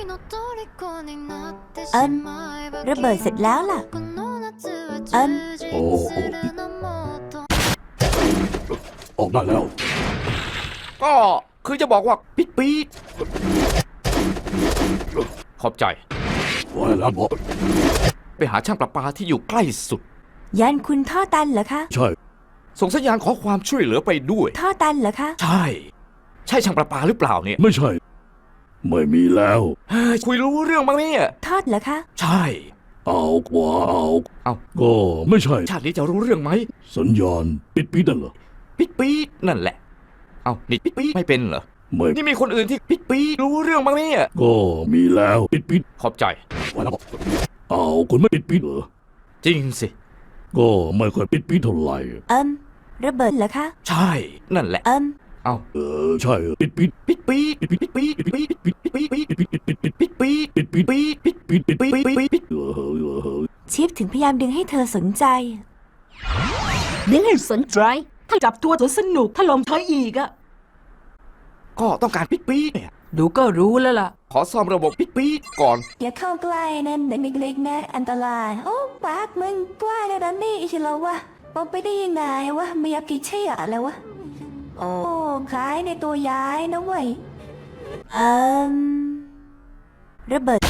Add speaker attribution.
Speaker 1: ระเบิดเสร็จแล้วล่ะ
Speaker 2: โอ้ออกได้แล้ว
Speaker 3: ก็คือจะบอกว่าปิดปีดขอบใจ
Speaker 2: ไว้แล้วบอก
Speaker 3: ไปหาช่างประปาที่อยู่ใกล้สุด
Speaker 1: ยันคุณท่อตันเหรอคะ
Speaker 2: ใช่
Speaker 3: ส่งสัญญาณขอความช่วยเหลือไปด้วย
Speaker 1: ท่อตันเหรอคะ
Speaker 3: ใช่ช่างประปาหรือเปล่าเนี่ย
Speaker 2: ไม่ใช่ไม่มีแล้ว
Speaker 3: คุยรู้เรื่องบ้างเนี่ย
Speaker 1: ทอดเหรอคะ
Speaker 3: ใช่
Speaker 2: เอากว่า
Speaker 3: เอา
Speaker 2: ก็ไม่ใช่
Speaker 3: ชาตินี้จะรู้เรื่องไหม
Speaker 2: สัญญาณปิดนั่นเหรอ
Speaker 3: ปิดปีดนั่นแหละเอานี่ปิดปีดไม่เป็นเหรอ
Speaker 2: ไม่
Speaker 3: นี่มีคนอื่นที่ปิดปีดรู้เรื่องบ้างเนี่ย
Speaker 2: ก็มีแล้วปิด
Speaker 3: ขอบใจ
Speaker 2: ไว้แล้วเอาคุณไม่ปิดเหรอ
Speaker 3: จริงสิ
Speaker 2: ก็ไม่ค่อยปิดเท่าไหร่
Speaker 1: ระเบิดเหรอคะ
Speaker 3: ใช่นั่นแหละเอา
Speaker 2: ใช่ปิดปี
Speaker 1: ชิปถึงพยายามดึงให้เธอสนใจ
Speaker 4: ดึงให้สนใจถ้าจับตัวจนสนุกถ้าลมเธออีกอะ
Speaker 3: ก็ต้องการปิดปีเนี่ย
Speaker 4: ดูก็รู้แล้วล่ะ
Speaker 3: ขอซ่อมระบบปิดปีก่อน
Speaker 1: อย่าเข้าใกล้นะเด็กเล็กๆนะอันตรายโอ้ปากมึงกว้างนะนี่ใช่แล้ววะบอกไปได้ยังไงวะไม่อยากกินเชี่ยอะไรวะโอ้คล้ายในตัวย้ายนะเว้ยระเบิด